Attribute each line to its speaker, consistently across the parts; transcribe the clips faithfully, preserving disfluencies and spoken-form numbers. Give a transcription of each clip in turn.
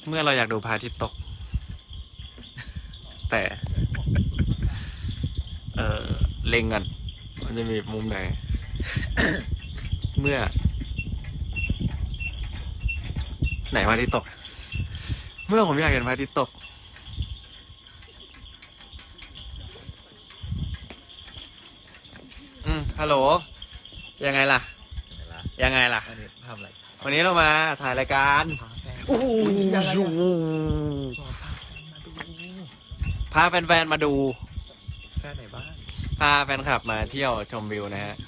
Speaker 1: เมื่อเราอยากดูพระอาทิตย์ตก แต่ เออเล็งกันมันจะมีมุมไหน เมื่อ ไหนพระอาทิตย์ตก เมื่อผมอยากเห็นพระอาทิตย์ตก อืมฮัลโหลยังไงล่ะ ยังไงล่ะ
Speaker 2: วันนี้ทำอะไร
Speaker 1: วันนี้เรามาถ่ายรายการโอ้โหพาแฟนๆมาดู
Speaker 2: แฟนไหนบ้าง
Speaker 1: พาแฟนคลับมาเที่ยวชมวิวนะฮะ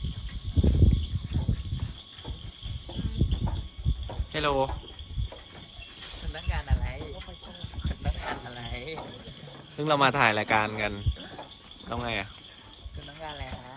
Speaker 1: เฮลโล
Speaker 3: พนักงานอะไรพนักงานอะไร
Speaker 1: ซึ่งเรามาถ่ายรายการกันต้องไงอ่ะ
Speaker 3: พนักงานอะไรฮะ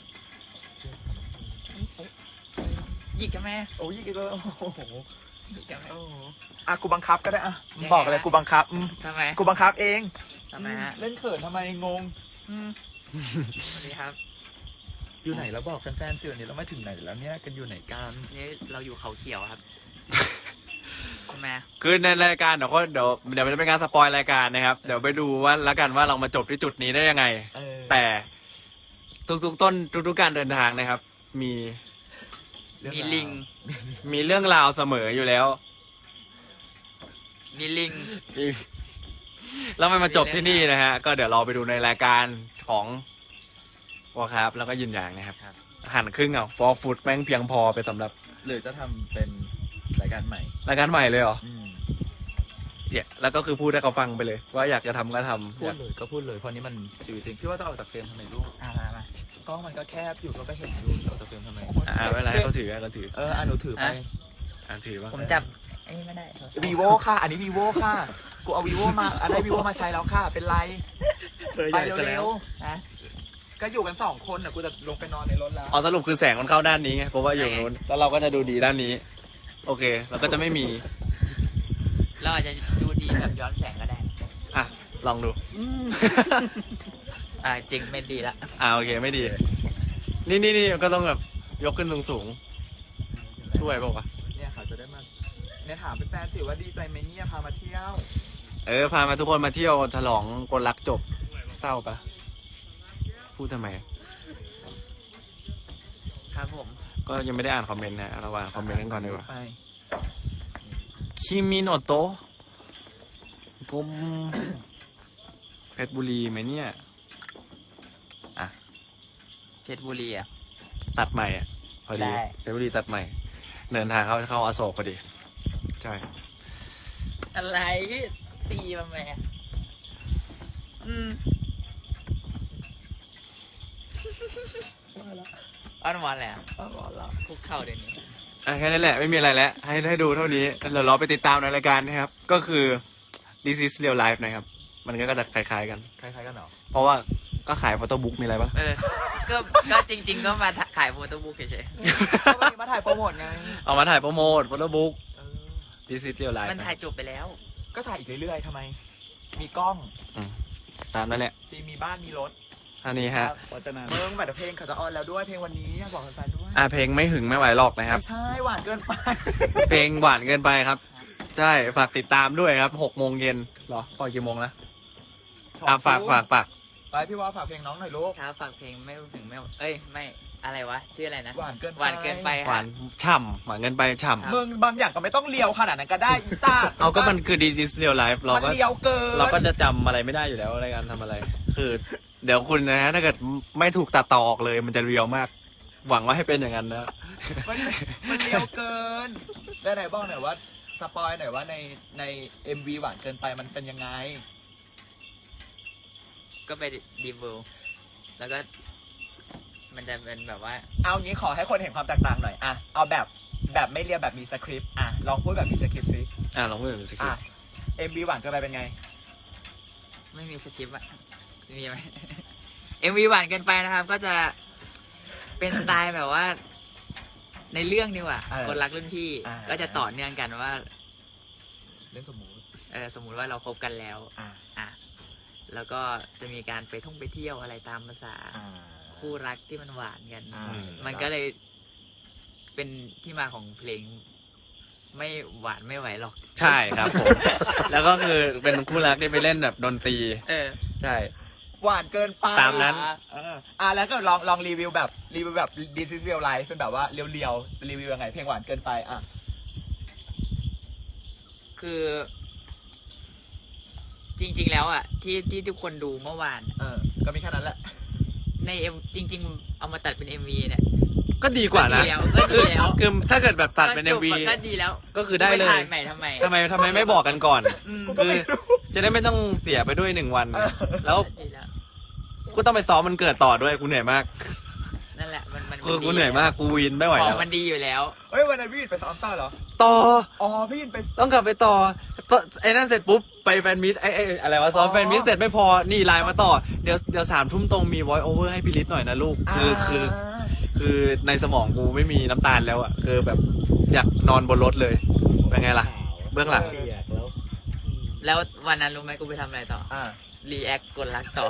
Speaker 3: หยิกกันไหม
Speaker 2: โอ้ยอีกแล้วโอ้โห
Speaker 3: หยิกกันไหม
Speaker 2: โอ้โหอ่ะกูบังคับก็ได้อ่ะ
Speaker 3: ยังไง
Speaker 2: บอกเลย
Speaker 3: ฮะ
Speaker 2: กูบังคับอืม
Speaker 3: ทำไม
Speaker 2: กูบังคับเอง
Speaker 3: ทำไมฮะ
Speaker 2: เล่นเขินทำไมงง
Speaker 3: อืมสวัสดีครับ
Speaker 2: อยู่ไหนแล้วบอกแฟนๆสิวันนี้เราไม่ถึงไหนแล้วเนี่ยกันอยู่ไหนกัน
Speaker 3: นี่เราอยู่เขาเขียวครับทำไม
Speaker 1: คือในรายการเดี๋ยวก็เดี๋ยวเดี๋ยวมันจะเป็นการสปอยรายการนะครับ เดี๋ยวไปดูว่าละกันว่าเรามาจบที่จุดนี้ได้ยังไง
Speaker 2: เออ
Speaker 1: แต่ทุกๆต้นทุกๆการเดินทางนะครับ มี
Speaker 2: เรื่อง
Speaker 3: มี
Speaker 2: ราว
Speaker 3: ลิง
Speaker 1: มีเรื่องราวเสมออยู่แล้ว
Speaker 3: มีลิง
Speaker 1: แล้วมันมาจบที่นี่นะฮะ ก็เดี๋ยวเราไปดูในรายการของวอครับ แล้วก็ยินอย่างนะครับ
Speaker 3: ครับ
Speaker 1: หั่นครึ่งเอาฟอร์ฟูดแม่งเพียงพอไปสำหรับ
Speaker 2: หรือจะทำเป็นรายการใหม่
Speaker 1: รายการใหม่เลยเหรอ
Speaker 2: อืม
Speaker 1: เนี่ยแล้วก็คือพูดให้เขาฟังไปเลย ว่าอยากจะทำก็ทำ
Speaker 2: พูดเลยก็พูดเลยเพราะนี้มันชีวิตจริงพี่ว่าจะออกจากเฟรมทำไมลูก
Speaker 3: อ่ามามาก
Speaker 2: ล้องมันก็แคบอยู่ก็ไปเห็นอยู่จะออกจากเฟรมทำไม
Speaker 1: อ่าเวลาให้เขาถือให้เขาถือ
Speaker 2: เอออ่ะหนูถือไป
Speaker 1: อ่าถือว่า
Speaker 3: ผมจับไอ้นี่ไม่ได้
Speaker 2: วีโวค่ะ อันนี้ vivo ค่ะ กูเอา vivo มาอะไร vivo มาใช้แล้วค่ะ เป็นไร ไปเร็ว
Speaker 3: ฮะ
Speaker 2: ๆ ก็อยู่กันสองคนน่ะ กูจะลงไปนอนในรถแล้ว
Speaker 1: อ๋อสรุปคือแสงมันเข้าด้านนี้ไงเพราะว่าอยู่นู้นแล้วเราก็จะดูดีด้านนี้ โอเคเราก็จะไม่มี
Speaker 3: เราอาจจะดูดีแบบย้อนแสงก็ได้
Speaker 1: อ่ะลองดู
Speaker 3: อ่าจริงไม่ดีละ
Speaker 1: อ่าโอเคไม่ดี นี่นี่นี่ก็ต้องแบบยกขึ้นสูงสูงๆช่วยบอกว่าวะ
Speaker 2: เนี่ยเขาจะได้มาเนี่ยถามเป็นแฟนสิว่าดีใจไหมเนี่ยพามาเที่ยว
Speaker 1: เออพามาทุกคนมาเที่ยวฉลองกลรักจบเศร้าปะพูดทำไม
Speaker 3: ครับผม
Speaker 1: ก็ยังไม่ได้อ่านคอมเมนต์นะเราอ่านคอมเมนต์กันก่อนดีกว่า
Speaker 2: ไป
Speaker 1: คิมิโนโตะกรมเพชรบุรีไหมเนี่ย
Speaker 3: เพชรบุรีอ่ะ
Speaker 1: ตัดใหม่อ่ะพอดี
Speaker 3: ได้
Speaker 1: เพชรบุรีตัดใหม่ เดินทางเข้าเข้าอโศกพอดีใช่
Speaker 3: อะไรตีมาแม่อืมอ้อนวอนแหละ
Speaker 2: อ้าวเหรอ
Speaker 3: คุกเข่าเดี๋ยวนี้
Speaker 1: อ่ะแค่นั้นแหละไม่มีอะไรแล้วให้ให้ดูเท่านี้เดี๋ยวเราไปติดตามในรายการนะครับ ก็คือ this is real life นะครับ มันก็จะคล้ายๆกัน
Speaker 2: คล้ายๆกันเหรอ
Speaker 1: เพราะว่าก็ขายโฟโต้บุ๊กมีอะไรบ้าง
Speaker 3: เออ ก็ก็จริง ๆ ก็มาขายโฟโต้บุ๊กเฉย
Speaker 2: ก็วันนี้มาถ่ายโปรโมทไง
Speaker 1: เอามาถ่ายโปรโมทโฟโต้บุ๊ก
Speaker 2: เออ
Speaker 1: this is real life
Speaker 3: ๆมันถ่ายจบไปแล้ว
Speaker 2: ก็ถ่ายอีกเรื่อยๆทำไม มีกล้อง
Speaker 1: อืมตามนั่นแหละ
Speaker 2: ซีมีบ้านมีรถ
Speaker 1: ท่านี้ฮะ
Speaker 2: เมืองบัตรเพลงเขาจะออนแล้วด้วยเพลงวันนี้อยากบอกแฟนๆด้วย
Speaker 1: อ่ะเพลงไม่หึงไม่ไหวหรอกนะครับ
Speaker 2: ไม่ใช่หวานเกินไป
Speaker 1: เพลงหวานเกินไปครับ ใช่ฝากติดตามด้วยครับหกโมงเย็นเหรอปล่อยกี่โมงนะอ่ะฝากฝากฝาก
Speaker 2: ไปพี่ว่าฝากเพลงน้องหน่อยลูก
Speaker 3: ครับฝากเพลงไม่ถึงไม่ เอ้ย ไม่ อะไรวะ ชื่ออะไรนะ
Speaker 2: หวานเกินไป
Speaker 3: หวานเกินไป
Speaker 1: หวานฉ่ำหวานเกินไปฉ่
Speaker 2: มึงบางอย่างก็ไม่ต้องเลียวขนาดนั้นก็ได้อีต้า
Speaker 1: ำเอาก็มันคือ this is real life เรา
Speaker 2: มัน
Speaker 1: ก็
Speaker 2: เลียวเกิน
Speaker 1: เราก็จะจำอะไรไม่ได้อยู่แล้วในการทำอะไร คือเดี๋ยวคุณนะฮะถ้าเกิดไม่ถูกตัดต่อออกเลย มันจะเรียวมาก หวังว่าให้เป็นอย่างนั้นนะ
Speaker 2: มันมันเลียวเกินได้ไหนบอกหน่อยว่าสปอยหน่อยว่าในใน เอ็ม วี หวานเกินไปมันเป็นยังไง
Speaker 3: ก็ไปดีบูแล้วก็ มันจะเป็นแบบว่า
Speaker 2: เอางี้ขอให้คนเห็นความแตกต่างหน่อยอะเอาแบบแบบไม่เรียบแบบมีสคริปต์อะลองพูดแบบมีสคริปต์สิ
Speaker 1: อ่ะลองพูดเป็นสคริ
Speaker 2: อ่ะ
Speaker 1: ปต์
Speaker 2: เอ็ม วี หวานเกินไปเป็นไง
Speaker 3: ไม่มีสคริปต์อะมีไหม เอ็มวีหวานเกินไปนะครับ ก็จะเป็นสไตล์แบบว่า ในเรื่องดีกว่า
Speaker 2: เออ
Speaker 3: คนรักรุ่นพี่
Speaker 2: อ่า
Speaker 3: ก็จะต่อเนื่องกันว่า
Speaker 2: เล่นสมมุติ
Speaker 3: เออสมมุติว่าเราคบกันแล้ว
Speaker 2: อ่ะ
Speaker 3: อ่ะ แล้วก็จะมีการไปท่องไปเที่ยวอะไรตามภาษา
Speaker 2: อ่า
Speaker 3: คู่รักที่มันหวานกัน
Speaker 2: อ่า
Speaker 3: มันก็เลยเป็นที่มาของเพลงไม่หวานไม่ไหวหรอก
Speaker 1: ใช่ครับผม แล้วก็คือเป็นคู่รักที่ไปเล่นแบบดนตรี
Speaker 3: เออ
Speaker 1: ใช่
Speaker 2: หวานเกินไป
Speaker 1: ตามนั้น
Speaker 2: เอออ่ะแล้วก็ลองลองรีวิวแบบรีวิวแบบ This is real life เป็นแบบว่าเรียวๆรีวิวยังไงเพลงหวานเกินไปอ่ะ
Speaker 3: คือ จริง ๆ แล้วอ่ะ ที่ที่ทุกคนดูเมื่อวาน
Speaker 2: เออก็มีแค่นั้นแหละ
Speaker 3: ในเอ็มจริง ๆ เอามาตัดเป็นเอ็มวีเนี่ย
Speaker 1: ก็ดีกว่านะ
Speaker 3: ก็ดีแล้วก็ดีแล้ว
Speaker 1: คือถ้าเกิดแบบตัดเป็น
Speaker 3: ก็
Speaker 1: เอ็
Speaker 3: จ
Speaker 1: ม
Speaker 3: บ
Speaker 1: วี
Speaker 3: ก็ดีแล้ว
Speaker 1: ก็คือได้เลย
Speaker 3: ปถ่ายใหม่ทำไม
Speaker 1: ทำไมทำไมไม่บอกกันก่อน
Speaker 3: อืม
Speaker 2: กูก็
Speaker 1: คือ
Speaker 2: ไม่รู้
Speaker 1: จะได้ไม่ต้องเสียไปด้วยหนึ่งวัน
Speaker 2: เออ
Speaker 1: แล้ว
Speaker 3: ดีแล้ว
Speaker 1: กูต้องไปซ้อมมันเกิดต่อด้วยกูเหนื่อยมาก
Speaker 3: นั่นแหละมันมัน
Speaker 1: คือกูเหนื่อยมากกูวินไม่ไหว
Speaker 3: ขอ
Speaker 1: แล้
Speaker 3: ง
Speaker 1: ว
Speaker 3: มันดีอยู่แล้ว
Speaker 2: เฮ้ยวันนั้นพี่ยินไปซ้อมต่อเหรอ
Speaker 1: ต่อ
Speaker 2: อ๋อพี่ยินไป
Speaker 1: ต้องกลับไปต่อต่อไอ้นั่นเสร็จปุ๊บไปแฟนมิตไอ้ไอ้อะไรวะซ้อม
Speaker 2: อ๋อ
Speaker 1: แฟนมิตเสร็จไม่พอนี่ไลน์มาต่อเดี๋ยวเดี๋ยวสามทุ่มตรงมี voice over ให้พี่ลิศหน่อยนะลูกคือคือ คือในสมองกูไม่มีน้ำตาลแล้วอะคือแบบอยากนอนบนรถเลยเป็นไงล่ะ เบื้องหลัง
Speaker 3: แล้ววันนั้นรู้ไหมกูไปทำอะไรต่อ
Speaker 2: อ่า
Speaker 3: รีแอคกดรักต่อ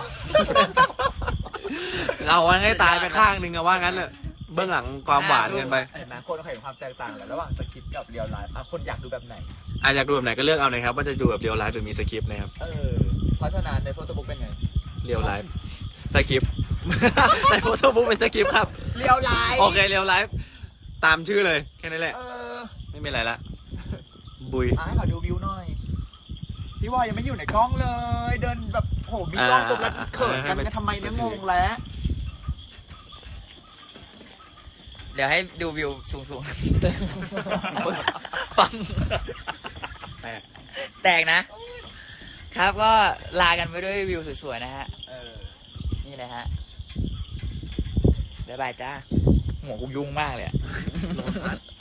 Speaker 1: เราให้ตายไปข้างหนึ่งอะว่างั้นเนอะเบื้องหลังความหวานเกินไป
Speaker 2: เห็นไหมคนเขาเห็นความแตกต่างแหละระหว่างสคริปต์กับเรียลไลฟ์อ่ะคนอยากดูแบบไหน
Speaker 1: อ่ะอยากดูแบบไหนก็เลือกเอานะครับว่าจะดูแบบเรียลไลฟ์หรือมีสคริปต์นะครับ
Speaker 2: เออ เพราะฉะนั้นในโฟโต้บุ๊กเป็นไง
Speaker 1: เรียลไลฟ์สคริปต์ ในโฟโต้บุ๊กเป็นสคริปต์ครับ
Speaker 2: เรียลไลฟ์
Speaker 1: โอเคเรียลไลฟ์ตามชื่อเลยแค่นั้นแหละ
Speaker 2: เออ
Speaker 1: ไม่มีอะไรละบุย
Speaker 2: อ่ะให้ขอดูวิวหน่อย พี่วอยยังไม่อยู่ในกล้องเลย เดินแบบโหมีกล้องตรงแล้วเขินกันกันทำไมเนี่ยงงแล้ว
Speaker 3: เดี๋ยวให้ดูวิวสูงๆ ฟัง
Speaker 1: แตก
Speaker 3: แตกนะ ครับก็ลากันไปด้วยวิวสวยๆนะฮะ
Speaker 2: เออ
Speaker 3: นี่เลยฮะ บ๊ายบายจ้า หัวกูยุ่งมากเลยอะ